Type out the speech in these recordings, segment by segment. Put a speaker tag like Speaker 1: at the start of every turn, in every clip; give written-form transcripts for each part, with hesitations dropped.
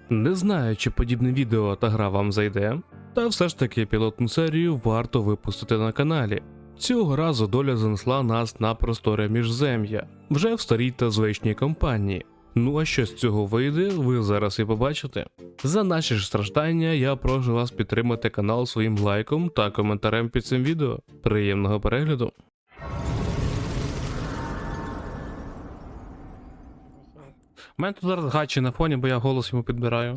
Speaker 1: Не знаю, чи подібне відео та гра вам зайде, та все ж таки пілотну серію варто випустити на каналі. Цього разу доля занесла нас на просторе міжзем'я, вже в старій та звичній компанії. Ну а що з цього вийде, ви зараз і побачите. За наші ж страждання я прошу вас підтримати канал своїм лайком та коментарем під цим відео. Приємного перегляду! У мене тут зараз гачі на фоні, бо я голос йому підбираю.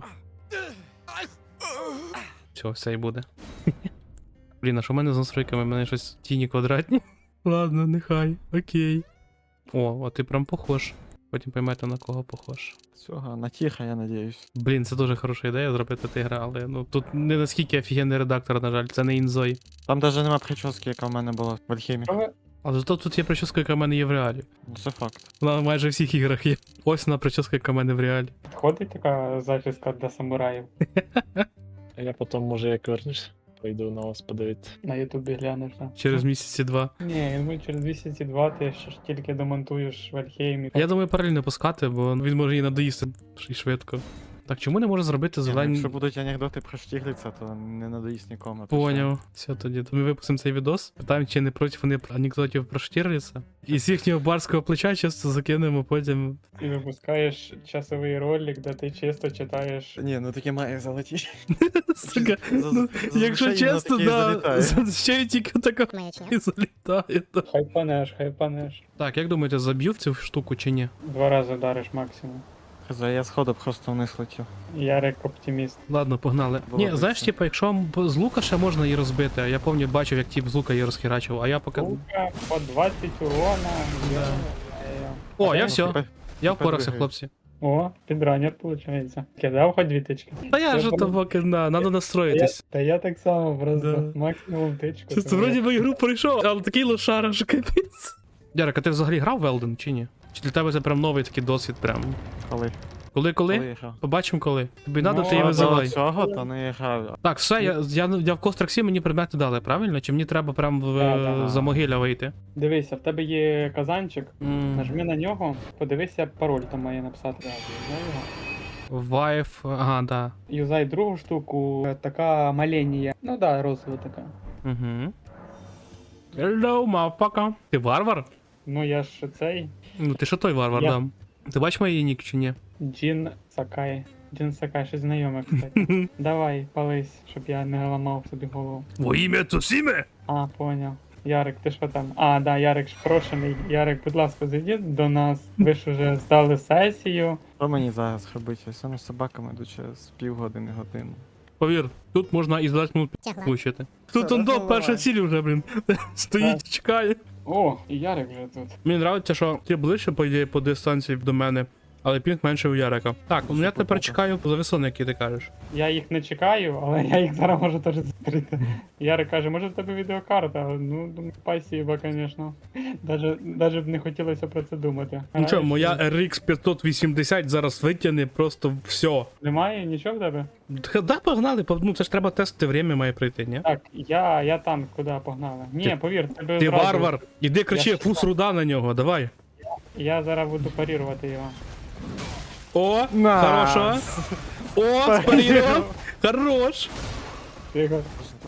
Speaker 1: Все і буде. Блін, а що в мене з настройками? У мене щось тіні квадратні. Ладно, нехай, окей. О, а ти прям похож. Потім поймете, на кого похож.
Speaker 2: Всього, на тихо, я надіюсь.
Speaker 1: Блін, це дуже хороша ідея зробити ти гра, але ну тут не наскільки офігенний редактор, на жаль, це не інзой.
Speaker 2: Там навіть нема прически, яка в мене була в Альхемі.
Speaker 1: Але зато тут є прическа, яка в мене є в реалі.
Speaker 2: Це факт.
Speaker 1: Вона майже в всіх іграх є. Ось вона прическа, яка в мене в реалі.
Speaker 3: Ходить така зачіска для самураїв.
Speaker 4: А я потім, може, як вернешся, пойду на вас подивитися.
Speaker 3: На ютубі глянеш, так?
Speaker 1: Через місяці два.
Speaker 3: Ні, я думаю, через місяці два ти ще ж тільки домонтуєш в Альхеймі.
Speaker 1: Я думаю, паралельно пускати, бо він може її надоїсти і швидко. Так, чому не може зробити зелені...
Speaker 2: Якщо будуть анекдоти про Штігліца, то не надоїсть нікому.
Speaker 1: Поняв. Все тоді. То ми випустимо цей відос. Питаємо, чи не проти вони анекдотів про Штірліца. І з їхнього барського плеча часто закинемо потім.
Speaker 3: І випускаєш часовий ролик, де ти чисто читаєш.
Speaker 2: Ні, ну таке має залетіти.
Speaker 1: Сука,
Speaker 2: За-
Speaker 1: ну,
Speaker 2: зазвичай
Speaker 1: якщо
Speaker 2: воно
Speaker 1: чесно,
Speaker 2: таке і
Speaker 1: да,
Speaker 2: залітає.
Speaker 1: ще й тільки така і залітає. Да.
Speaker 3: Хайпанеш.
Speaker 1: Так, як думаєте, заб'ю в цю штуку чи ні?
Speaker 3: 2 рази вдариш максимум.
Speaker 2: Я сходу просто вниз летів.
Speaker 3: Ярик оптиміст.
Speaker 1: Ладно, погнали.
Speaker 2: Було
Speaker 1: Ні,
Speaker 2: б
Speaker 1: знаєш,
Speaker 2: це.
Speaker 1: типу, якщо з лука ще можна її розбити, а я пам'ятаю, бачив, як тип з лука її розхерачив, а я поки...
Speaker 3: Лука по 20 урона.
Speaker 1: Да.
Speaker 3: Йо-йо.
Speaker 1: О, я
Speaker 2: Ну,
Speaker 1: все,
Speaker 2: тепер-
Speaker 1: я
Speaker 2: тепер
Speaker 1: впорався,
Speaker 2: двигай.
Speaker 1: хлопці.
Speaker 3: О, підранер, виходить. Кидав хоч 2 тички.
Speaker 1: Та я ж
Speaker 3: Я
Speaker 1: то поки, надо настроїтись.
Speaker 3: Та я так само, просто
Speaker 1: Да.
Speaker 3: максимум тичку.
Speaker 1: Чисто,
Speaker 3: тому
Speaker 1: вроді би ігру пройшов, але такий лошара, що капець. Ярик, а ти взагалі грав в Elden чи ні? Чи для тебе це прям новий такий досвід прям?
Speaker 2: Коли?
Speaker 1: Коли?
Speaker 2: я грав?
Speaker 1: Побачимо коли. Тобі надо,
Speaker 3: Ну,
Speaker 1: ти її
Speaker 3: а
Speaker 1: визивай.
Speaker 2: Цього то не грав.
Speaker 1: Так, все, я в Костраксі мені предмети дали, правильно? Чи мені треба прям
Speaker 3: Да.
Speaker 1: за могилля вийти?
Speaker 3: Дивися, в тебе є казанчик, нажми на нього, подивися, пароль там має написати. Юзай його.
Speaker 1: Вайф, ага, да.
Speaker 3: Юзай другу штуку, така маленія. Ну да, розова така.
Speaker 1: Угу. Hello, motherfucker. Ти варвар?
Speaker 3: Ну я ж цей
Speaker 1: Ну ти що той варвар,
Speaker 3: Я-
Speaker 1: да. Ти бачиш моїй нік чи ні?
Speaker 3: Джін Сакай. Джін Сакай, щось знайоме, кстати. Давай, пались, щоб я не ламав собі голову.
Speaker 1: Во ім'я Цусіме?
Speaker 3: А, поняв. Ярик, ти що там? А, да, Ярик ж прошений. Ярик, будь ласка, зайдіть до нас. Ви ж уже здали сесію.
Speaker 2: Що мені зараз робити? Я саме з собаками йду через півгодини-годину.
Speaker 1: Повір, тут можна і за 20 минут влучити. Тут
Speaker 2: Це
Speaker 1: он до
Speaker 2: давай.
Speaker 1: перша ціль вже, блін. Стоїть, чекає.
Speaker 3: О, і Ярик вже тут.
Speaker 1: Мені подобається, що ти ближче, по ідеї, по дистанції до мене, але пінг менше у Ярика. Так, ну я тепер чекаю за весони, які ти кажеш.
Speaker 3: Я їх не чекаю, але я їх зараз можу теж зустріти. Ярик каже, може в тебе відеокарта? Ну, думаю, спасибо, звісно. Даже б не хотілося про це думати.
Speaker 1: Ну що, моя RX 580 зараз витягне просто все.
Speaker 3: Немає нічого в тебе?
Speaker 1: Да, погнали, ну це ж треба тестити, время має прийти, ні?
Speaker 3: Так, я там, куди погнали. Ні,
Speaker 1: Ти-
Speaker 3: повір, тебе
Speaker 1: Ти
Speaker 3: зразу-
Speaker 1: варвар, іди кричи,
Speaker 3: Я
Speaker 1: фус руда на нього, давай.
Speaker 3: Я зараз буду парірувати його.
Speaker 1: О, хорошо. О, спарірував. Хорош.
Speaker 3: Тихо.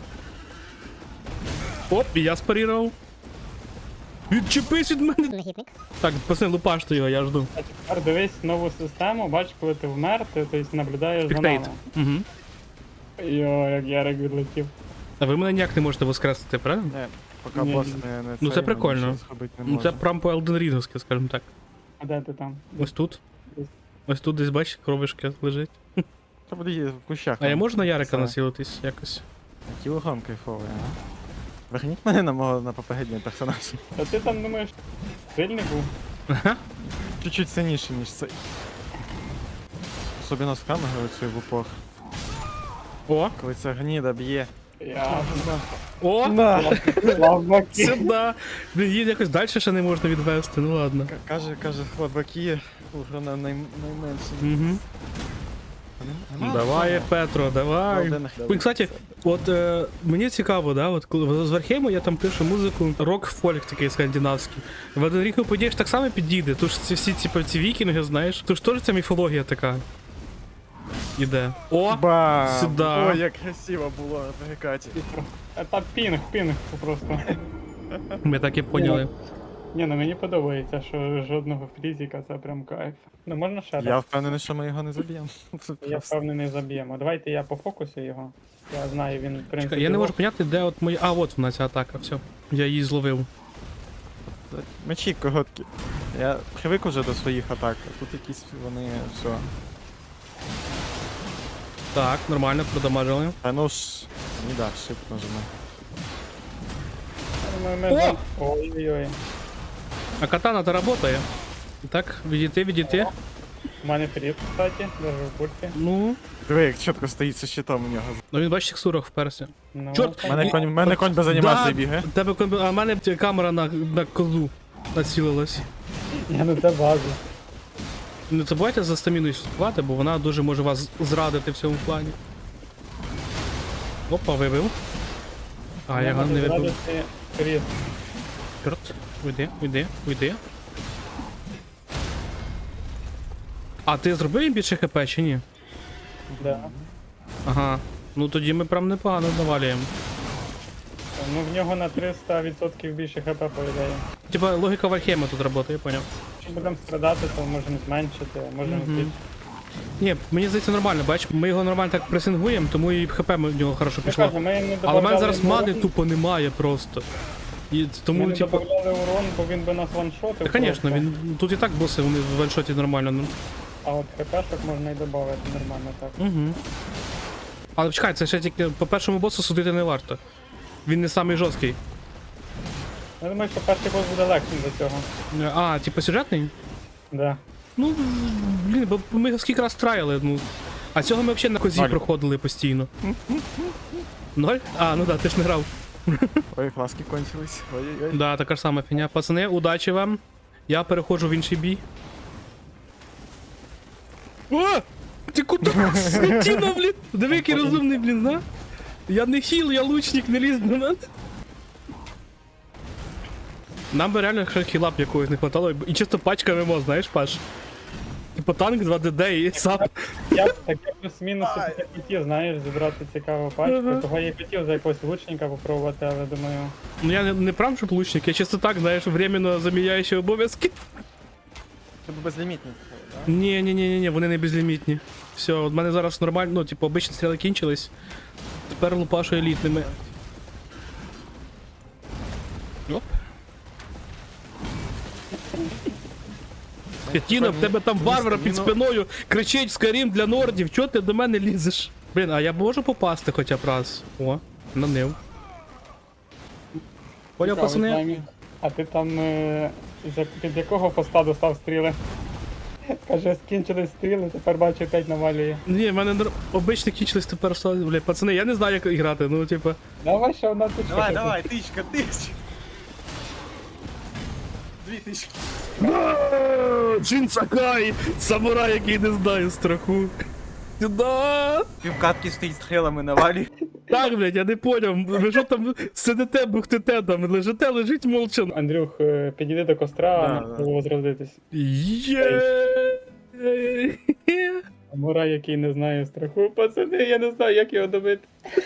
Speaker 1: Оп, і я спарірував. Відчепись від мене.
Speaker 5: Негідник.
Speaker 1: Так, пацани, лупаште його, я жду.
Speaker 3: А тепер дивись нову систему, бач, коли ти вмер, ти тобто, наблюдаєш за
Speaker 1: Спектейт.
Speaker 3: нами.
Speaker 1: Угу.
Speaker 3: Йо, як Ярик відлетів.
Speaker 1: А ви мене ніяк не можете воскресити, правильно?
Speaker 2: Не, поки
Speaker 3: Ні,
Speaker 2: бос
Speaker 3: ні.
Speaker 2: не
Speaker 1: Ну, це
Speaker 2: цей,
Speaker 1: прикольно.
Speaker 2: ми нічого зробити не
Speaker 1: Ну це
Speaker 2: можемо.
Speaker 1: прям по Elden Ring, скажімо так.
Speaker 3: А де ти там?
Speaker 1: Ось тут. Ось тут десь бачиш, кровишки лежить.
Speaker 2: Це буде їздити в кущах.
Speaker 1: А я можу на Ярика
Speaker 2: Це.
Speaker 1: насілитись якось?
Speaker 2: Який урон кайфовий, а? Верніть мене на попередній персонаж.
Speaker 3: Та ти там думаєш, сильний був?
Speaker 2: Чуть-чуть сильніше, ніж цей. Особливо з камерою цією в упор.
Speaker 1: О,
Speaker 2: Коли ця гніда б'є.
Speaker 3: Я
Speaker 1: о,
Speaker 3: слабаки.
Speaker 1: сюди. Блін, її якось далі ще не можна відвести, ну ладно.
Speaker 2: Каже, хлопаки, урона найменше.
Speaker 1: Угу.
Speaker 2: Нема
Speaker 1: Давай,
Speaker 2: фону?
Speaker 1: Петро, давай.
Speaker 2: Голденах.
Speaker 1: Ой, кстати, от мені цікаво, да, от коли з Вархейму я там пишу музику, рок-фольк такий скандинавський. В Elden Ring, по ідеї, ж так само підійде. Тож ці всі ці вікінги, знаєш, тож теж ця міфологія така. Іде. О!
Speaker 2: Бам!
Speaker 1: сюда.
Speaker 2: Ой, як красиво було на перекаті.
Speaker 3: Це пінг просто.
Speaker 1: Ми так і поняли.
Speaker 3: Ні, ну мені подобається, що жодного фрізіка, це прям кайф. Ну можна ще
Speaker 2: Я
Speaker 3: раз?
Speaker 2: впевнений, що ми його не заб'ємо. Це
Speaker 3: Я
Speaker 2: просто.
Speaker 3: впевнений заб'ємо. Давайте я по фокусу його. Я знаю, він в принципі.
Speaker 1: Чекай, я не можу поняти, де от моя. А, от вона ця атака, все. Я її зловив.
Speaker 2: Мечі короткі. Я привик уже до своїх атак, а тут якісь вони все.
Speaker 1: Так, нормально, продамажили.
Speaker 2: А ну ж, не да, shift нажимай.
Speaker 3: О! Ой-ой-ой.
Speaker 1: А катана-то работає. Так, відійти.
Speaker 3: У мене фріз, кстати, даже в курсі.
Speaker 1: Ну.
Speaker 2: Диви, як чітко стоїть зі щитом у нього.
Speaker 1: Ну він бачиш, текстурах вперся.
Speaker 3: Ну,
Speaker 1: Чорт!
Speaker 2: Мене конь без анімації бігає.
Speaker 1: Тебе а в мене камера на козу націлилась.
Speaker 3: Ні, ну це база.
Speaker 1: Не забувайте за стаміною слідкувати, бо вона дуже може вас зрадити в цьому плані. Опа, вибив. А, я його не вибив.
Speaker 3: Фріз.
Speaker 1: Чорт, уйди. А ти зробив їм більше хп чи ні?
Speaker 3: Да.
Speaker 1: Ага. Ну тоді ми прям непогано навалюємо.
Speaker 3: Ну в нього на 300% більше хп по ідеї.
Speaker 1: Типа логіка Вальхейма тут працює, я поняв.
Speaker 3: Якщо будемо страдати, то можемо зменшити, можемо збільшити.
Speaker 1: Ні, мені здається нормально, бач, ми його нормально так пресингуємо, тому і хп в нього хорошо
Speaker 3: Я
Speaker 1: пішло.
Speaker 3: кажу, ми не
Speaker 1: Але в
Speaker 3: добавляли
Speaker 1: мене зараз мани
Speaker 3: урон,
Speaker 1: тупо немає просто. І
Speaker 3: ми
Speaker 1: тому,
Speaker 3: не
Speaker 1: типу.
Speaker 3: добавляли урон, бо він би нас ваншотив.
Speaker 1: Та, звісно,
Speaker 3: просто.
Speaker 1: він тут і так боси, вони в ваншоті нормально. Ну.
Speaker 3: А от хпшок можна і додати нормально так.
Speaker 1: Угу. Але чекай, це ще тільки по першому босу судити не варто. Він не самий жорсткий.
Speaker 3: Я думаю, що перший бос буде легшим до цього.
Speaker 1: А, типу сюжетний?
Speaker 3: Да.
Speaker 1: Ну, блін, бо ми його скільки раз траяли, ну. А цього ми взагалі на козі
Speaker 2: Ноль.
Speaker 1: проходили постійно. 0? А, ну да, ти ж не грав.
Speaker 2: Ой, фласки кончились. Ой-ой-ой.
Speaker 1: Да, така ж сама фігня. Пацани, удачі вам. Я переходжу в інший бій. О! Ти куди скотіна, блін? Диви, який розумний, блін, да? Я не хіл, я лучник, не лізь до мене. Нам би реально ще хілап якогось не хватало, і чисто пачка ММО, знаєш, Паш? Типу танк 2DD і сап.
Speaker 3: Я б таке плюс-мінус таки хотів, знаєш, зібрати цікаву пачку.
Speaker 1: Ага.
Speaker 3: Того я і хотів за якогось лучника попробувати, але думаю.
Speaker 1: Ну я не прям щоб лучник, я чисто так, знаєш, временно заміняючи обов'язки.
Speaker 2: Це безлімітний, да?
Speaker 1: Ні, вони не безлімітні. Все, от в мене зараз нормально, ну, типу, обичні стріли кінчились. Тепер лупашу елітними. Оп. Скотіна, в тебе там варвар під спиною кричить Скарім для нордів, чого ти до мене лізеш? Блін, а я можу попасти хоча б раз? О, нанив. Поняв,
Speaker 3: цікавий
Speaker 1: пацани?
Speaker 3: таймінг. А ти там під якого поста достав стріли? Каже, скінчились стріли, тепер бачу 5 навалює.
Speaker 1: Ні, в мене обичні кінчились тепер стали. Блядь, пацани, я не знаю, як грати, ну, типа.
Speaker 3: Давай ще одна тичка.
Speaker 2: Давай, тичка. 2000.
Speaker 1: Джин Сакай! Самурай, який не знає страху. Сюда!
Speaker 2: Півкатки стоїть стрілами на валі.
Speaker 1: Так, блядь, я не поняв. Ви що там сидите, бухтите там, лежить молча.
Speaker 3: Андрюх, підійди до костра,
Speaker 2: Да,
Speaker 3: а
Speaker 2: да.
Speaker 3: нам возродитись.
Speaker 1: Є.
Speaker 3: Самурай, який не знає страху. Пацани, я не знаю, як його добити.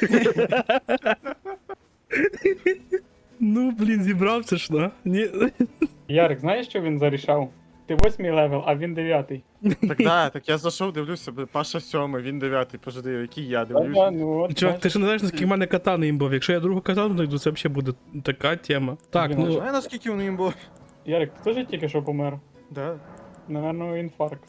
Speaker 1: Ну, блін, зібрався ж, на? Ні.
Speaker 3: Ярик, знаєш, що він зарішав? Ти 8-й левел, а він 9-й.
Speaker 2: Так да, так я зайшов, дивлюся, Паша 7, він 9, пожди, який я
Speaker 3: Да,
Speaker 2: дивлюся.
Speaker 3: ну от,
Speaker 1: Чувак, ти ж не знаєш, наскільки в мене катани імбов. Якщо я другу катану знайду, це взагалі буде така тема. Так,
Speaker 3: Блін,
Speaker 1: ну.
Speaker 2: Знає, наскільки воно їм було?
Speaker 3: Ярик, ти теж тільки що помер?
Speaker 2: Да.
Speaker 3: Наверно, інфаркт.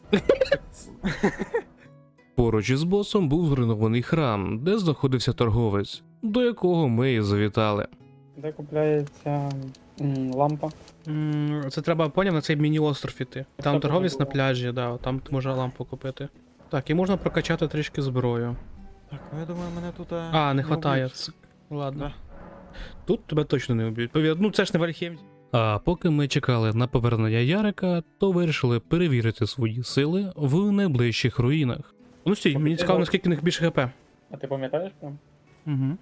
Speaker 1: Поруч із босом був зруйнований храм, де знаходився торговець, до якого ми і завітали.
Speaker 3: Де купляється лампа?
Speaker 1: Це треба, поняв, на цей міні-остров іти. Там
Speaker 3: Це
Speaker 1: торговець на
Speaker 3: було.
Speaker 1: пляжі, да, там можна лампу купити. Так, і можна прокачати трішки зброю.
Speaker 2: Так, ну я думаю, мене тут...
Speaker 1: А, не хватає.
Speaker 2: вб'ють.
Speaker 1: Ладно.
Speaker 2: Да.
Speaker 1: Тут тебе точно не вб'ють. Ну це ж не Вальхейм. А поки ми чекали на повернення Ярика, то вирішили перевірити свої сили в найближчих руїнах. Ну стій, мені цікаво, наскільки в них більше хп.
Speaker 3: А ти пам'ятаєш прям?
Speaker 1: Угу.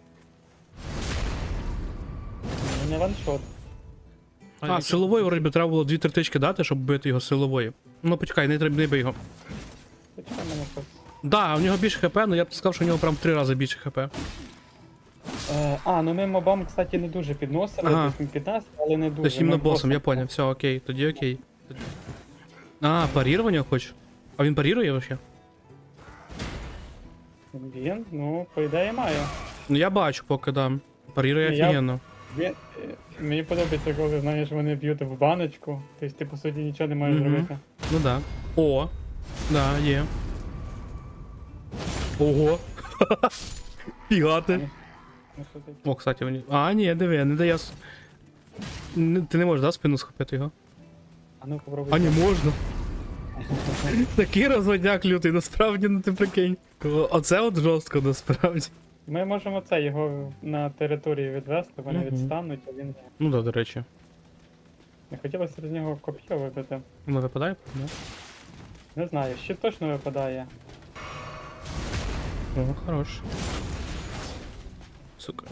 Speaker 3: Ну, не ваншот.
Speaker 1: А, силової вроді треба було 2-3 тички дати, щоб бити його силової. Ну почекай, не треба, не бий його.
Speaker 3: Почекай мене щось.
Speaker 1: Да, у нього більше хп, але я б сказав, що у нього прям в 3 рази більше хп.
Speaker 3: Ну ми мобам, кстати, не дуже підносили,
Speaker 1: Ага.
Speaker 3: тобто ми 15, але не дуже.
Speaker 1: Тобто іменно
Speaker 3: Ми
Speaker 1: босом, я
Speaker 3: просто-
Speaker 1: понял, все, окей, тоді окей. А, парірування хочеш? А він парірує вообще?
Speaker 3: Він, ну, по ідеї має.
Speaker 1: Ну я бачу поки, да. Парірує
Speaker 3: Я-
Speaker 1: офігенно.
Speaker 3: Він, мені подобається, коли, знаєш, вони б'ють в баночку, тобто ти, по суті, нічого не маєш
Speaker 1: Мгм.
Speaker 3: зробити.
Speaker 1: Ну да. О, да, є. Ого. Фігати.
Speaker 3: Ну, що таке?
Speaker 1: О, кстати, вони. А, ні, диви, не дає. Ти не можеш, да, спину схопити його?
Speaker 3: А ну попробуй.
Speaker 1: А не можна. Такий розводняк лютий, насправді, ну ти прикинь. Оце от жорстко, насправді.
Speaker 3: Ми можемо це його на території відвести, вони
Speaker 1: Мгм.
Speaker 3: відстануть, а він.
Speaker 1: Ну да, до речі.
Speaker 3: Не хотілося з нього коп'є вибити.
Speaker 1: Воно випадає? Да.
Speaker 3: Не знаю, ще точно випадає.
Speaker 1: О, хорош. Сука.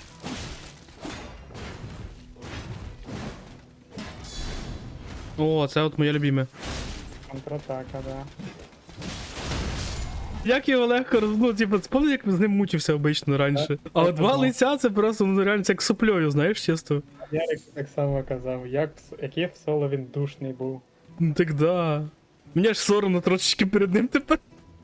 Speaker 1: О, це от моє любиме.
Speaker 3: Контратака, да.
Speaker 1: Як його легко ну, типу, спомни, як з ним мучився обично раніше. А от два
Speaker 3: ага.
Speaker 1: лиця це просто ну, реально це як суплею, знаєш, чисто.
Speaker 3: Ярик так само казав, який в соло він душний був.
Speaker 1: Ну так да. Мені аж соромно трошечки перед ним тепер.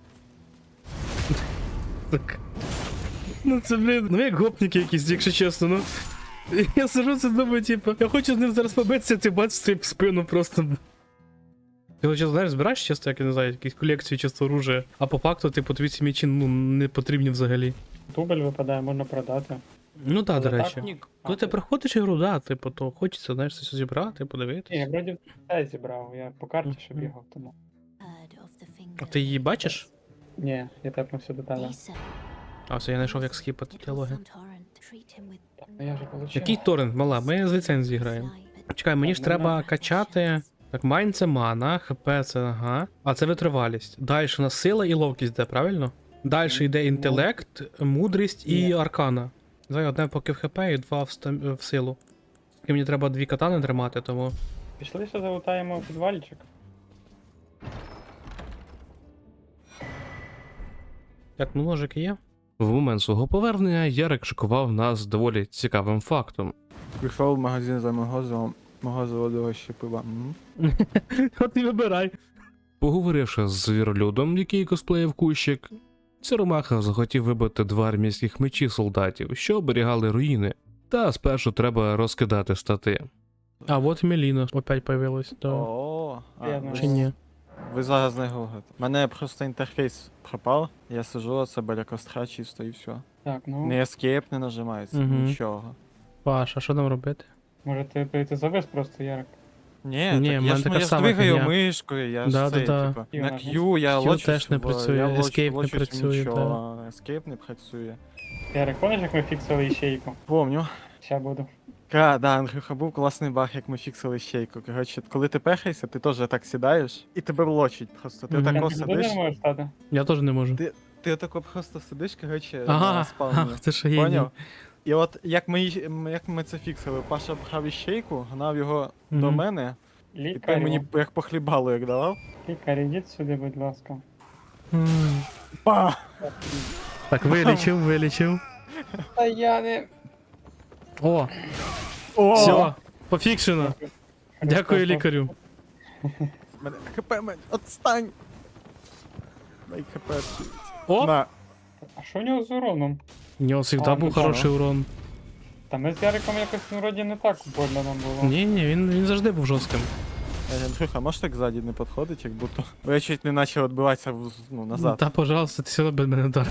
Speaker 1: Так. Ну це, блін, ну як гопніки якісь, якщо чесно, ну. Я сижу це думаю, типу, я хочу з ним зараз побитися, ти бач стріп в спину просто. Ти його, чесно, знаєш, збираєш часто, як я не знаю, якісь колекції часто оружия, а по факту, типу, тобі ці м'ячі, ну, не потрібні взагалі.
Speaker 3: Дубль випадає, можна продати.
Speaker 1: Ну так, до
Speaker 3: Але
Speaker 1: речі.
Speaker 3: так,
Speaker 1: Коли ти приходиш ігру, да, типу, то хочеться, знаєш, щось зібрати,
Speaker 3: Ні,
Speaker 1: подивитися.
Speaker 3: я вроді все зібрав, я по карті ще
Speaker 1: Мгм.
Speaker 3: бігав, тому.
Speaker 1: А ти її бачиш?
Speaker 3: Ні, я тепнув все деталі.
Speaker 1: А, все, я знайшов, як скіпати діалоги.
Speaker 3: Ну я вже получив.
Speaker 1: Який торрент, мала? Ми з ліцензії граємо. Чекай, мені ж
Speaker 3: Так,
Speaker 1: треба
Speaker 3: нема.
Speaker 1: качати. Так, майн це мана, хп це ага. А це витривалість. Далі у нас сила і ловкість йде, правильно? Далі йде інтелект, мудрість і
Speaker 3: Ні.
Speaker 1: аркана. Знаю, одне поки в хп і два в силу. І мені треба 2 катани тримати, тому.
Speaker 3: Пішли ще залутаємо в підвальчик.
Speaker 1: Так, ну ножики є. В момент свого повернення Ярик шокував нас доволі цікавим фактом.
Speaker 2: Прийшов в магазин за мого ще пива. М.
Speaker 1: От і вибирай. Поговоривши з звіролюдом, який косплеїв кущик, Сіромаха захотів вибити 2 армійських мечі солдатів, що оберігали руїни. Та спершу треба розкидати стати. А от Меліна опять появилась, то.
Speaker 2: О,
Speaker 3: Я
Speaker 2: ви
Speaker 1: Чи ні?
Speaker 2: Ви зараз не гуглите. У мене просто інтерфейс пропав, я сижу, це біля костра чисто і все.
Speaker 3: Так, ну,
Speaker 2: Не escape не нажимається,
Speaker 1: Мгм.
Speaker 2: нічого.
Speaker 1: Паш, а що нам робити?
Speaker 3: може ти завис просто, Ярик.
Speaker 2: Ні,
Speaker 1: Ні,
Speaker 2: так
Speaker 1: в
Speaker 2: я
Speaker 1: мене
Speaker 2: ж,
Speaker 1: така
Speaker 2: я ж
Speaker 1: сама
Speaker 2: двигаю
Speaker 1: фігня.
Speaker 2: мишкою, я ж
Speaker 1: Да,
Speaker 2: це,
Speaker 1: да, да.
Speaker 2: типу,
Speaker 3: І
Speaker 2: на
Speaker 3: вона-
Speaker 2: Q я
Speaker 1: Q
Speaker 2: лочусь,
Speaker 1: теж не
Speaker 2: в-
Speaker 1: працює,
Speaker 2: я
Speaker 1: escape не
Speaker 2: лочусь в
Speaker 1: працює,
Speaker 2: нічого, а escape не працює.
Speaker 3: Ярик, пам'ятаєш, як ми фіксили ячейку?
Speaker 2: Помню.
Speaker 3: Ща буду.
Speaker 2: Да, Андрюха, був класний баг, як ми фіксили щейку. Коротше, коли ти пехаєшся, ти теж так сідаєш, і тебе влочить просто. Ти
Speaker 1: Мгм.
Speaker 2: отако
Speaker 3: Ти туди
Speaker 2: сидиш,
Speaker 3: не можеш стати?
Speaker 1: Я теж не можу.
Speaker 2: ти отако просто сидиш, коротше,
Speaker 1: Ага,
Speaker 2: на спавні.
Speaker 1: це ж геній.
Speaker 2: Поняв? І от як ми це фіксили, Паша брав іщейку, гнав його до
Speaker 1: Мгм.
Speaker 2: мене, і ти
Speaker 3: Лікарю,
Speaker 2: мені як по хлібалу як давав.
Speaker 3: лікар, ідіть сюди, будь ласка.
Speaker 1: М.
Speaker 2: Па!
Speaker 1: Так, вилічив.
Speaker 3: Та я не...
Speaker 1: О,
Speaker 2: О!
Speaker 1: все, пофікшено. Дякую лікарю.
Speaker 2: Мене ХП, отстань! Мій ХП відсується.
Speaker 1: О!
Speaker 2: На.
Speaker 3: А що у нього з уроном?
Speaker 1: У нього завжди
Speaker 3: А,
Speaker 1: був
Speaker 3: ну,
Speaker 1: хороший урон.
Speaker 3: Та ми з Яриком якось ну, вроді не так больно нам було.
Speaker 1: Ні, він завжди був жорстким.
Speaker 2: Андрюха, можеш так ззаді не підходити, як будто. Бо я чуть не почав відбиватися назад.
Speaker 1: Та, пожалуйста, ти все одно без мене удар.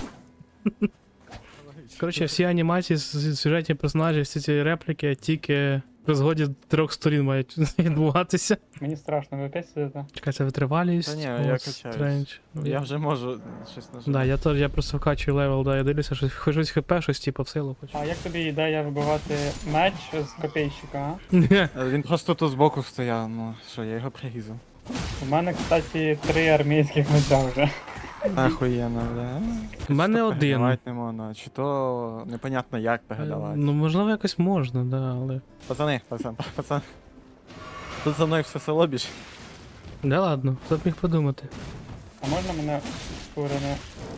Speaker 1: Коротше, всі анімації, сюжетні персонажі, всі ці репліки тільки при згоді 3 сторін мають відбуватися.
Speaker 3: Мені страшно, ви опять сидите?
Speaker 1: Чекай, це витривалість.
Speaker 2: Та ні,
Speaker 1: о,
Speaker 2: я качаюсь.
Speaker 1: стрендж. Ну,
Speaker 2: Я вже можу щось нажати.
Speaker 1: Да, я просто вкачую левел, да, я дивлюся, хоч щось хп, щось типу в силу хочу.
Speaker 3: А як тобі ідея вибивати меч з копійщика, а?
Speaker 2: Він просто тут збоку стояв, ну що, я його прирізав.
Speaker 3: У мене, кстати, 3 армійських меча вже.
Speaker 2: Ахуєнно, бля.
Speaker 1: У мене
Speaker 2: Що
Speaker 1: один.
Speaker 2: передавати не можна, чи то непонятно як передавати.
Speaker 1: Ну, можливо, якось можна, да, але.
Speaker 2: Пацан. Тут за мною все село біж.
Speaker 1: Да ладно, хто б міг подумати.
Speaker 3: А можна мене ускорене.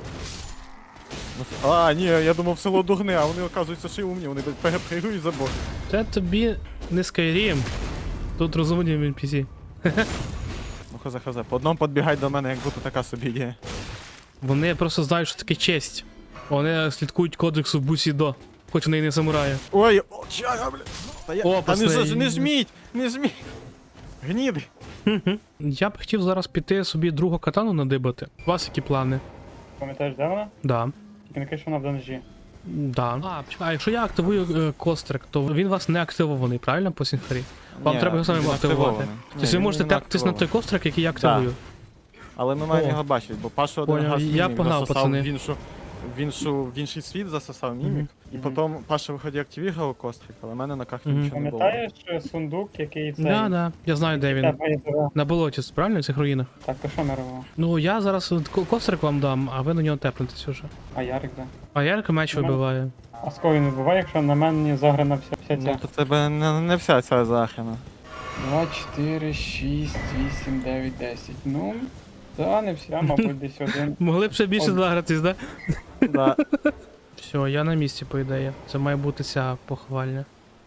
Speaker 2: А, ні, я думав село дурне, а вони, оказуються, ще й умні, вони перепригують забор.
Speaker 1: Це тобі не Skyrim. Тут розумні NPC.
Speaker 2: Ну хоза, по одному підбігають до мене, як будто така собі ідея.
Speaker 1: Вони просто знають, що таке честь. Вони слідкують кодексу Бусідо, хоч вони і не самураї.
Speaker 2: Ой, о, чага, бля.
Speaker 1: О,
Speaker 2: Та не,
Speaker 1: пацани.
Speaker 2: не жміть, не жміть. Гніди.
Speaker 1: Я б хотів зараз піти собі другу катану надибати. У вас які плани?
Speaker 3: Пам'ятаєш, де вона?
Speaker 1: Да.
Speaker 3: Тільки не кажи, що вона в данжі.
Speaker 1: Да. А якщо я активую кострик, то він у вас не активований, правильно, по сінхарі? Вам треба його самим активувати. Тобто ви можете тактись на той кострик, який я активую.
Speaker 2: Але ми маємо
Speaker 1: О.
Speaker 2: його бачити, бо Пашу один
Speaker 1: Поняв,
Speaker 2: раз
Speaker 1: я
Speaker 2: мімік
Speaker 1: погнав,
Speaker 2: засосав
Speaker 1: пацани.
Speaker 2: в інший світ засосав мімік, і
Speaker 3: Мгм.
Speaker 2: потім Паша виході активував кострик, але в мене на карті
Speaker 1: Мгм.
Speaker 2: нічого не було.
Speaker 3: Пам'ятаєш сундук, який цей?
Speaker 1: Да, я знаю, де він.
Speaker 3: Тебе є тебе.
Speaker 1: На болоті, правильно, в цих руїнах?
Speaker 3: Так, то що ми робимо?
Speaker 1: Ну, я зараз кострик вам дам, а ви на нього тепнетесь уже.
Speaker 3: А Ярик де?
Speaker 1: А Ярика меч
Speaker 3: Ну,
Speaker 1: вибиває.
Speaker 3: А з кого він вибиває, якщо на мене заграна вся
Speaker 2: Ну,
Speaker 3: ця?
Speaker 2: то тебе не вся ця захина.
Speaker 3: 2, 4, 6, 8, 9, 10. Ну, да, не вся, мабуть, десь один.
Speaker 1: Могли б ще більше
Speaker 3: От.
Speaker 1: загратись, да?
Speaker 2: Да.
Speaker 1: Все, я на місці, по ідеї. Це має бути ця похвальня.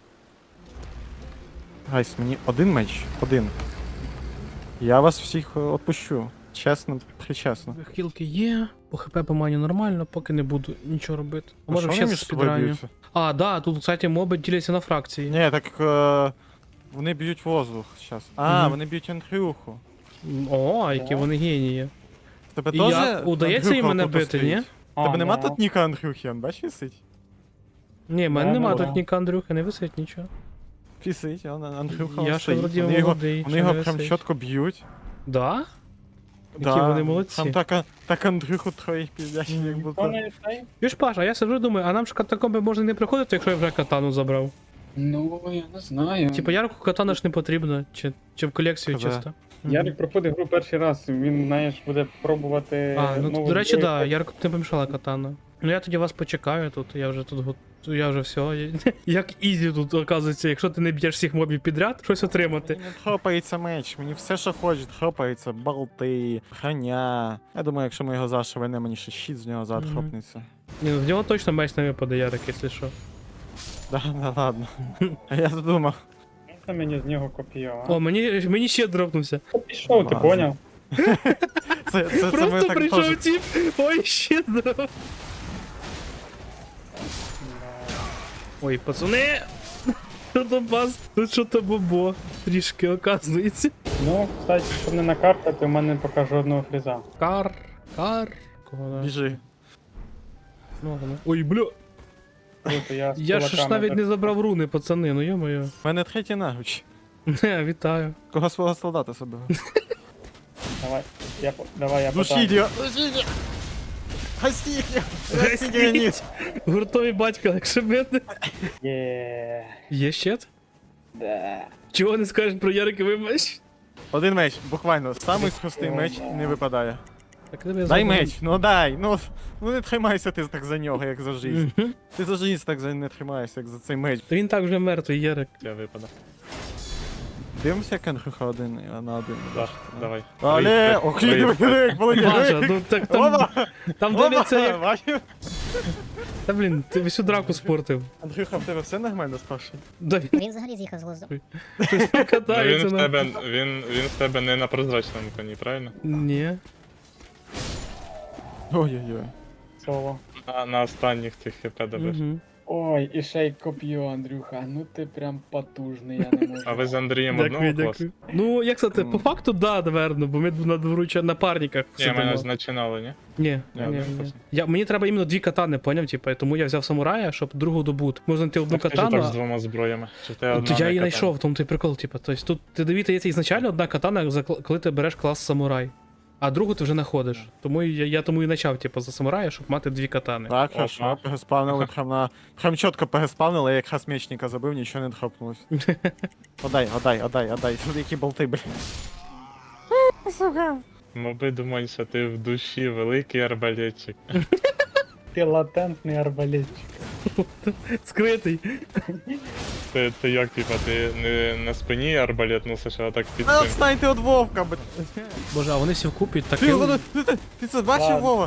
Speaker 2: Гайс, мені один меч, один. Я вас всіх відпущу. Чесно, причесно.
Speaker 1: Хілки є, по хп по мані нормально, поки не буду нічого робити.
Speaker 2: А
Speaker 1: Може
Speaker 2: що
Speaker 1: ще
Speaker 2: вони між собою
Speaker 1: спідраню.
Speaker 2: б'ються?
Speaker 1: А, да, тут, кстати, моби діляться на фракції.
Speaker 2: Ні, так вони б'ють воздух зараз. А,
Speaker 1: Мгм.
Speaker 2: вони б'ють Андрюху.
Speaker 1: О, які
Speaker 3: Так.
Speaker 1: вони генії.
Speaker 2: В тебе
Speaker 1: І
Speaker 2: теж
Speaker 1: як? Удається
Speaker 2: Андрюха
Speaker 1: їм мене
Speaker 2: отут
Speaker 1: бити,
Speaker 2: стоїть?
Speaker 1: ні?
Speaker 2: В тебе нема
Speaker 3: да.
Speaker 2: тут ніка Андрюхи, он бачиш висить?
Speaker 1: Ні, в мене
Speaker 3: Да,
Speaker 1: нема
Speaker 3: да.
Speaker 1: тут ні Андрюха, не висить нічого.
Speaker 2: Висить, он Андрюха
Speaker 1: Я
Speaker 2: он
Speaker 1: ще
Speaker 2: стоїть.
Speaker 1: вроді
Speaker 2: Вони його,
Speaker 1: молодий,
Speaker 2: вони
Speaker 1: чи
Speaker 2: його
Speaker 1: не
Speaker 2: прям
Speaker 1: висить?
Speaker 2: чітко б'ють.
Speaker 1: Да? Які вони молодці.
Speaker 2: Там так Андрюху троїх піздять, як
Speaker 3: Хто
Speaker 2: будто.
Speaker 3: не цей?
Speaker 1: Юж Паш, а я сиджу думаю, а нам ж катакомби можна не приходити, якщо я вже катану забрав.
Speaker 3: Ну, я не знаю.
Speaker 1: Типа Ярику катана ж не потрібно, чи в колекцію
Speaker 2: Казе.
Speaker 1: чисто.
Speaker 3: Ярик проходить гру перший раз, він, знаєш, буде пробувати.
Speaker 1: А, ну
Speaker 3: нову
Speaker 1: до речі,
Speaker 3: зброю.
Speaker 1: да, Ярику не помішала катана. Ну я тоді вас почекаю тут, я вже тут я вже все. Як ізі тут оказується, якщо ти не б'єш всіх мобів підряд, щось отримати.
Speaker 2: Мені не хропається меч, мені все, що хочуть, хропається, болти, броня. Я думаю, якщо ми його зашивемо, мені ще щит з нього зад
Speaker 1: Мгм.
Speaker 2: хропнеться.
Speaker 1: Ні, ну в нього точно меч не випаде, Ярик, якщо що.
Speaker 2: Да, ладно. А я думав.
Speaker 3: Це мені з нього копія, а?
Speaker 1: О, мені ще дропнувся.
Speaker 3: Пішов, ти
Speaker 2: Ладно.
Speaker 3: поняв?
Speaker 2: Це ми
Speaker 1: Просто
Speaker 2: так
Speaker 1: прийшов
Speaker 2: теж.
Speaker 1: тип, ой, ще дроп. Ой, пацани! Тут у вас, тут що-то бобо трішки оказується.
Speaker 3: Ну, кстати, щоб не накаркати, у мене поки жодного фріза.
Speaker 1: Кар. Кого да?
Speaker 2: Біжи.
Speaker 1: Ну, ой, бля.
Speaker 3: Круто, я з
Speaker 1: Я ж
Speaker 3: кулаками
Speaker 1: навіть
Speaker 3: так-
Speaker 1: не забрав руни, пацани, ну йо-моє.
Speaker 2: У мене третій наруч.
Speaker 1: Не, вітаю.
Speaker 2: Кого свого солдата собі?
Speaker 3: Давай, я
Speaker 2: Душіть його! Душіть його! Гастіть його! Гастіть його ніс!
Speaker 1: Гуртовий батько, якщо бити.
Speaker 3: Є.
Speaker 1: Є щит?
Speaker 3: Да.
Speaker 1: Чого не скажеш про Яриковий меч?
Speaker 2: Один меч, буквально. Самий схостий меч не випадає.
Speaker 1: Так, тебе
Speaker 2: Дай
Speaker 1: заберу.
Speaker 2: меч, ну дай, ну не тримайся ти так за нього, як за жизнь.
Speaker 1: Мгм.
Speaker 2: Ти за жизнь так не тримаєшся, як за цей меч.
Speaker 1: Та він так вже мертвий, Ярик.
Speaker 4: Я випадав.
Speaker 2: Дивимося, як Андрюха один на один.
Speaker 4: Да, давай.
Speaker 2: Але, ох, як
Speaker 1: Паша, ну так там,
Speaker 2: Опа!
Speaker 1: там дивляться як...
Speaker 2: Бачив?
Speaker 1: Та блін, ти всю драку спортив.
Speaker 2: Андрюха, в тебе все нормально з Пашою?
Speaker 1: Да він
Speaker 5: Він взагалі з'їхав з глузду.
Speaker 1: щось
Speaker 4: Ну,
Speaker 1: катається
Speaker 4: він в
Speaker 1: на...
Speaker 4: тебе, він в тебе не на прозрачному коні, правильно?
Speaker 1: Ні.
Speaker 2: Ой-ой-ой.
Speaker 3: Соло.
Speaker 4: На останніх цих хп добиш.
Speaker 1: Мгм.
Speaker 3: Ой, і ще й коп'ю, Андрюха. Ну ти прям потужний, я не можу.
Speaker 4: А ви з Андрієм
Speaker 1: Дякую,
Speaker 4: одного класу?
Speaker 1: дякую. Ну, як сказати, по факту, да, наверно, бо ми на дворуча напарниках
Speaker 4: Ні, мене
Speaker 1: сидимо.
Speaker 4: значинали, ні?
Speaker 1: Ні,
Speaker 4: Ні,
Speaker 1: ні,
Speaker 4: один
Speaker 1: ні.
Speaker 4: просто.
Speaker 1: Мені треба іменно дві катани, поняв, типу, тому я взяв самурая, щоб другу добути. Можна знайти одну
Speaker 4: Так, ти ж
Speaker 1: катану,
Speaker 4: так з двома зброями. Чи в тебе
Speaker 1: а...
Speaker 4: одна
Speaker 1: то я
Speaker 4: не
Speaker 1: її
Speaker 4: катана?
Speaker 1: знайшов, в тому той прикол, типу. Тобто тут ти дивіться, є ізначально одна катана, коли ти береш клас самурай. А другу ти вже знаходиш. Тому я тому і почав, типу, за самурая, щоб мати дві катани.
Speaker 2: Так,
Speaker 4: Опа.
Speaker 2: хорошо, переспавнили прям чітко переспавнили, я якраз мечника забив, нічого не дропнулось. Одай. Тут які болти, блін. Сука.
Speaker 4: Моби думають, що ти в душі великий арбалетчик.
Speaker 3: Ти латентний арбалетчик.
Speaker 1: Скритий.
Speaker 4: Це як, типа, ти не на спині арбалет носиш, а так під
Speaker 2: А
Speaker 4: цим.
Speaker 2: відстаньте від Вовка, блядь.
Speaker 1: Боже, а вони всі вкупі
Speaker 2: Ти,
Speaker 1: таким.
Speaker 2: ти це бачив,
Speaker 3: Ладно.
Speaker 2: Вова?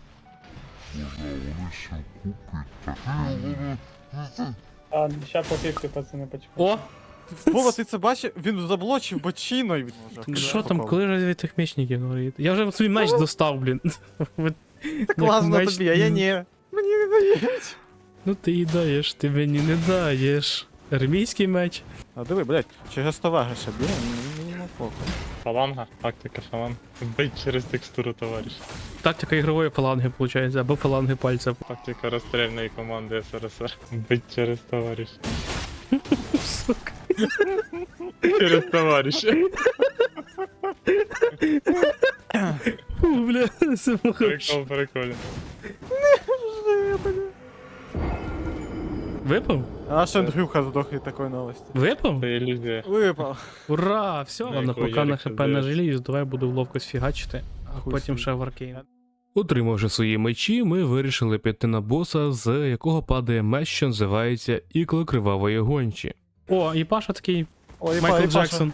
Speaker 3: А, ща пофігти, пацани, почекай.
Speaker 1: О!
Speaker 2: Вова, ти це бачив? Він заблочив бочиною.
Speaker 1: Що там, коли разве тих мечників говорить? Я вже свій меч достав, блін.
Speaker 2: Так класно
Speaker 1: меч-
Speaker 2: тобі, а я ні. Мені не дають.
Speaker 1: Ну ти і даєш, ти мені не даєш. Армійський меч.
Speaker 2: А диви, блядь, чи гестовага ще б'є? Мені не похуй.
Speaker 4: Фаланга, тактика фаланг. Бить через текстуру, товариш.
Speaker 1: Тактика ігрової фаланги, виходить, або фаланги пальця.
Speaker 4: Тактика розстрільної команди СРСР. Бить через товариш.
Speaker 1: Сука.
Speaker 4: Через товариша.
Speaker 1: Фу, бля, це
Speaker 4: Прикол, прикольно.
Speaker 1: Випав?
Speaker 2: А наш Андрюха здох від такої новості.
Speaker 1: Випав?
Speaker 4: Це ілюзія.
Speaker 2: Випав.
Speaker 1: Ура! Все,
Speaker 4: Ну,
Speaker 1: ладно,
Speaker 4: якого
Speaker 1: поки на
Speaker 4: Ярика
Speaker 1: хп не
Speaker 4: здається.
Speaker 1: жалію, давай буду в ловкость фігачити, а
Speaker 2: Хуй
Speaker 1: потім
Speaker 2: собі.
Speaker 1: ще в аркейн. Отримавши свої мечі, ми вирішили піти на боса, з якого падає меч, що називається Ікло Кривавої Гончі. О, і Паша такий
Speaker 2: Ой,
Speaker 1: Майкл
Speaker 2: Паша.
Speaker 1: Джексон.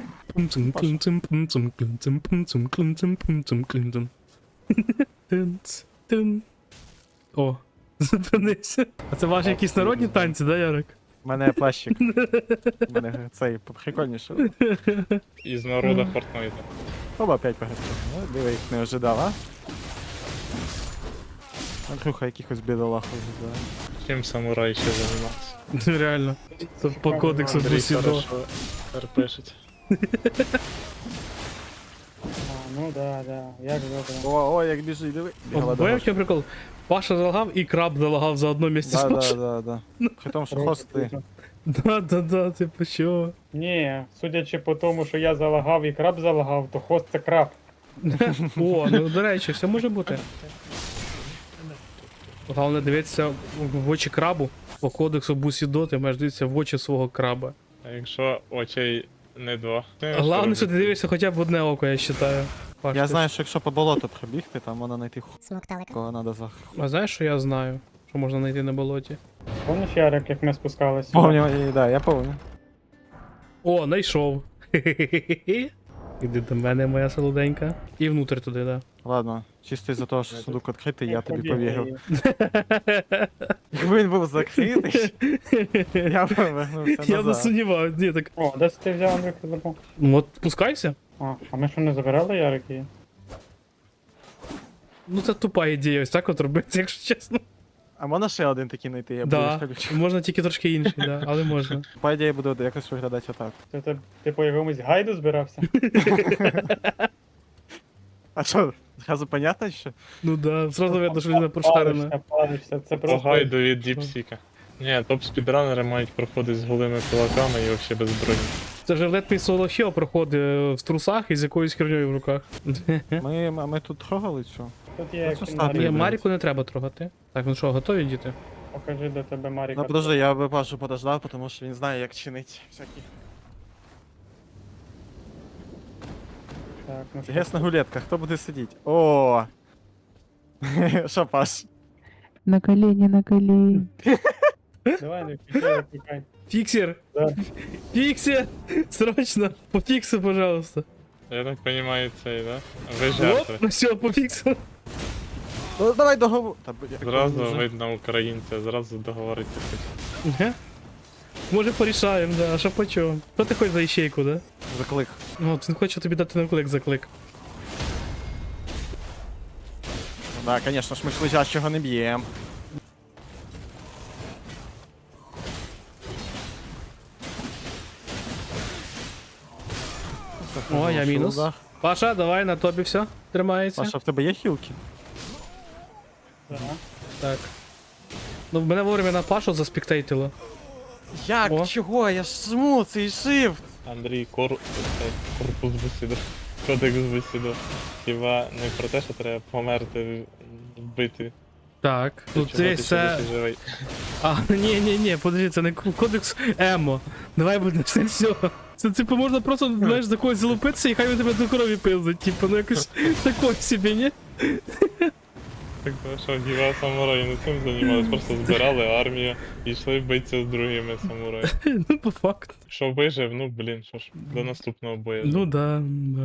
Speaker 1: О, зупинився. А це ваші якісь народні танці, да, Ярик?
Speaker 2: У мене плащик. У мене цей прикольніше.
Speaker 4: Із народа Фортнайта.
Speaker 2: Оба опять погасив. Ну, диви, їх не ожидав, а? Андрюха якихось бідолах ожидав.
Speaker 4: Чим самурай ще займався?
Speaker 1: Реально. Це по кодексу
Speaker 4: Андрій
Speaker 1: Бусідо.
Speaker 4: хорошо РПшить.
Speaker 3: А, ну да, як добре.
Speaker 2: О, як біжить, диви. Бігала
Speaker 1: Бо в чому прикол? Паша залагав і краб залагав за одно місце з
Speaker 2: Да,
Speaker 1: Пашою.
Speaker 2: да. При тому, що хости.
Speaker 1: Да, типу що?
Speaker 3: Ні, судячи по тому, що я залагав і краб залагав, то хост це краб.
Speaker 1: О, ну до речі, все може бути. Головне дивитися в очі крабу. По кодексу Бусідо ти маєш дивитися в очі свого краба.
Speaker 4: А якщо очей не два?
Speaker 1: Головне, що ти дивишся хоча б в одне око, я вважаю. Паш,
Speaker 2: Я
Speaker 1: ти
Speaker 2: знаю, що якщо по болоту пробігти, там можна знайти
Speaker 5: Смокталика.
Speaker 2: кого треба за...
Speaker 1: А знаєш, що я знаю? Що можна знайти на болоті?
Speaker 3: Помниш, Ярик, як ми спускалися?
Speaker 2: Помню, да, я помню.
Speaker 1: О, знайшов. Хе-хе-хе-хе. Іди до мене, моя солоденька. І внутрь туди, да.
Speaker 2: Ладно, чисто із-за того, що сундук відкритий, я тобі
Speaker 3: побігли.
Speaker 2: повірив. Якби він був закритий, я б повернувся
Speaker 1: Я не
Speaker 2: назад.
Speaker 1: сумніваюся, ні, так.
Speaker 3: О, десь ти взяв Андрюха забув.
Speaker 1: Ну от пускайся.
Speaker 3: А ми що не забирали Ярики?
Speaker 1: Ну це тупа ідея, ось так от робити, якщо чесно.
Speaker 2: А можна ще один такий знайти, я буду
Speaker 1: Да,
Speaker 2: ходити.
Speaker 1: можна тільки трошки інший, да, але можна.
Speaker 2: По ідеї буде якось виглядати отак.
Speaker 3: Ти по якомусь гайду збирався?
Speaker 2: А що, зразу понятно, що?
Speaker 1: Ну да, зразу видно, що людина прошарена.
Speaker 3: Палишся, це
Speaker 4: По
Speaker 3: просто...
Speaker 4: гайду від діпсіка. Ні, топ-спідранери мають проходити з голими кулаками і взагалі без броні.
Speaker 1: Це вже Let Me Solo Hero проходить в трусах і з якоюсь херньою в руках.
Speaker 2: Ми тут трогали цю.
Speaker 3: Тут є
Speaker 2: Оце
Speaker 3: кімната.
Speaker 2: статуя.
Speaker 1: Ні, Маріку не треба трогати. Так, ну що, готові діти?
Speaker 3: Покажи, де тебе Маріка.
Speaker 2: Ну подожди, я би Пашу подождав, тому що він знає, як чинить всякі.
Speaker 3: Так, ну що?
Speaker 2: Гес на гулетках, хто буде сидіти? О! Що, Паш?
Speaker 6: На колени, на колени.
Speaker 3: Давай, не включай, викликай.
Speaker 1: Фіксер!
Speaker 3: Да.
Speaker 1: Фіксер! Срочно! Пофікси, пожалуйста.
Speaker 4: Я так розумію, цей, да? Ви
Speaker 1: Оп,
Speaker 4: жертви.
Speaker 1: ну все, пофіксив.
Speaker 2: Ну давай договор. Та, я так
Speaker 4: Зразу
Speaker 2: вже-
Speaker 4: видно українця, зразу договоритися.
Speaker 1: Ге? Може порішаємо, да, а що по чому? Що ти хочеш за іщейку, да?
Speaker 2: Заклик.
Speaker 1: Ну, він хоче тобі дати на клик за клик.
Speaker 2: Ну да, звісно ж, ми ж лежачого не б'ємо.
Speaker 1: О, я мінус. Паша, давай на тобі все. Тримається.
Speaker 2: Паша, в тебе є хілки?
Speaker 3: Да.
Speaker 1: Так. Ну, мене вовремя на Пашу заспіктейтило.
Speaker 2: Як?
Speaker 1: О.
Speaker 2: Чого? Я ж жму цей shift.
Speaker 4: Андрій, корпус бесіду. Кодекс бесіду. Хіба не про те, що треба померти, вбити.
Speaker 1: Так. Ну,
Speaker 4: Чого ти
Speaker 1: це
Speaker 4: ще
Speaker 1: це.
Speaker 4: досі живий?
Speaker 1: А, ні, подожди, це не кодекс Емо. Давай будемо це все. Це типу можна просто, знаєш, за когось залупитися і хай він тебе до крові пиздить. Типу, ну якось такой собі, ні?
Speaker 4: Так, що хіба самураї не цим займалися, просто збирали армію і йшли битися з другими самураями.
Speaker 1: Ну, по факту.
Speaker 4: Що вижив, ну блін, що ж, до наступного бою.
Speaker 1: Ну да.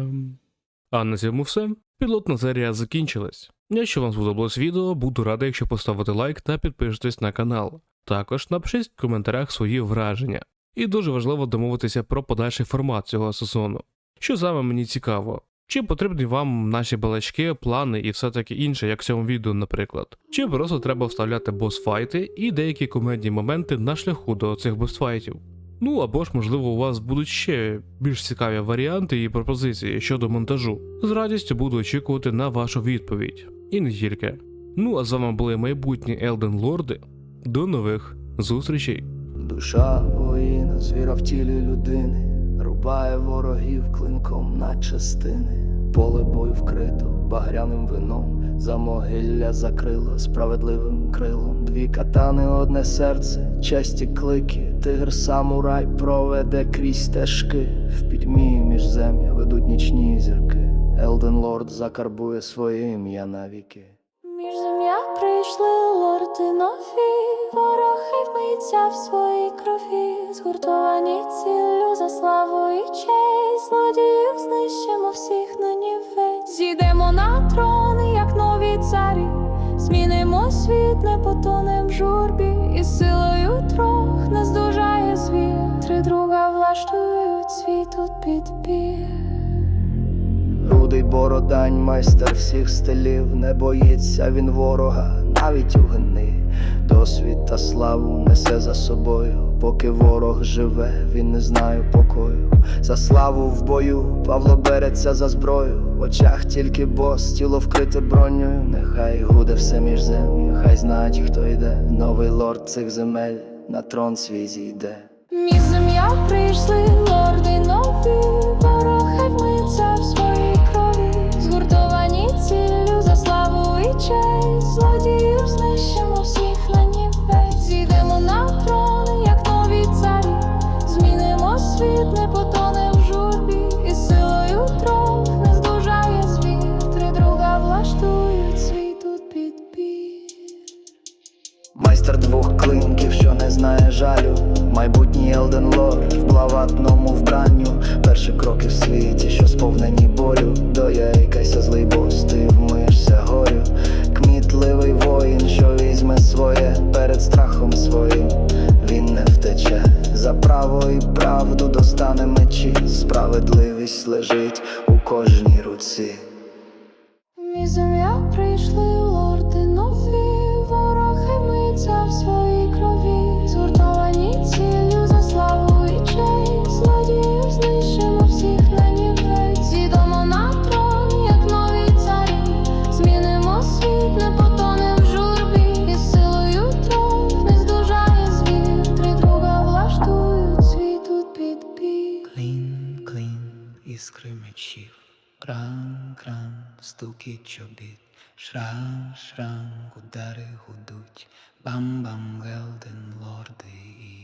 Speaker 1: А на цьому все. Пілотна серія закінчилась. Якщо вам сподобалось відео, буду радий, якщо поставите лайк та підпишетесь на канал. Також напишіть в коментарях свої враження. І дуже важливо домовитися про подальший формат цього сезону. Що саме мені цікаво? Чи потрібні вам наші балачки, плани і все таке інше, як в цьому відео, наприклад? Чи просто треба вставляти босфайти і деякі комедні моменти на шляху до цих босфайтів? Ну або ж, можливо, у вас будуть ще більш цікаві варіанти і пропозиції щодо монтажу. З радістю буду очікувати на вашу відповідь. І не тільки. Ну а з вами були майбутні Елден Лорди. До нових зустрічей!
Speaker 5: Душа воїна, звіра в тілі людини, рубає ворогів клинком на частини. Поле бою вкрито багряним вином, замогилля закрило справедливим крилом. Дві катани, одне серце, честі клики. Тигр самурай проведе крізь стежки. В пітьмі міжзем'я ведуть нічні зірки. Елден Лорд закарбує своє ім'я навіки.
Speaker 7: Між земля прийшли лорди нові, вороги вмиться в своїй крові, згуртовані ціллю за славу і честь, злодіїв знищимо всіх на нівець. Зійдемо на трон, як нові царі, змінимо світ, не потонем в журбі, і силою трох не здужає звір. Три друга влаштують світ тут підбір.
Speaker 5: Рудий бородань, майстер всіх стилів, не боїться він ворога, навіть у гни. Досвід та славу несе за собою, поки ворог живе, він не знає покою. За славу в бою Павло береться за зброю, в очах тільки бос, тіло вкрите бронею. Нехай гуде все міжзем'я, хай знають, хто йде. Новий лорд цих земель на трон свій зійде.
Speaker 7: Між земля прийшли лорди нові, вороги вмиться в своїй крові, згуртовані ціллю за славу і честь, злодіїв знищимо всіх на нівець. Зійдемо на трон, як нові царі, змінимо світ, не потонем в журбі, і силою трох не здужає звір. Три друга влаштують світ тут підбір.
Speaker 5: Майстер двох клинків, що не знає жалю, майбутній Елден Лорд в блаватному вбранню. Перші кроки в світі, що сповнені болю. Дояйкайся, злий бос, ти вмиєшся горю. Кмітливий воїн, що візьме своє перед страхом своїм, він не втече. За право і правду достане мечі, справедливість лежить у кожній руці.
Speaker 7: Між земля прийшли лорди нові, вороги вмиться в своїй крові, згуртовані ціллю за славу і честь, злодіїв знищимо всіх на нівець. Зійдемо на трон, як нові царі, змінимо світ, не потонем в журбі, і силою трох не здужає звір. Три друга влаштують світ тут підбір.
Speaker 5: Клін, клін, іскри мечів, кран, кран, стукіт чобіт, шрам, шрам, удари гудуть, бам-бам, Елден Лорди.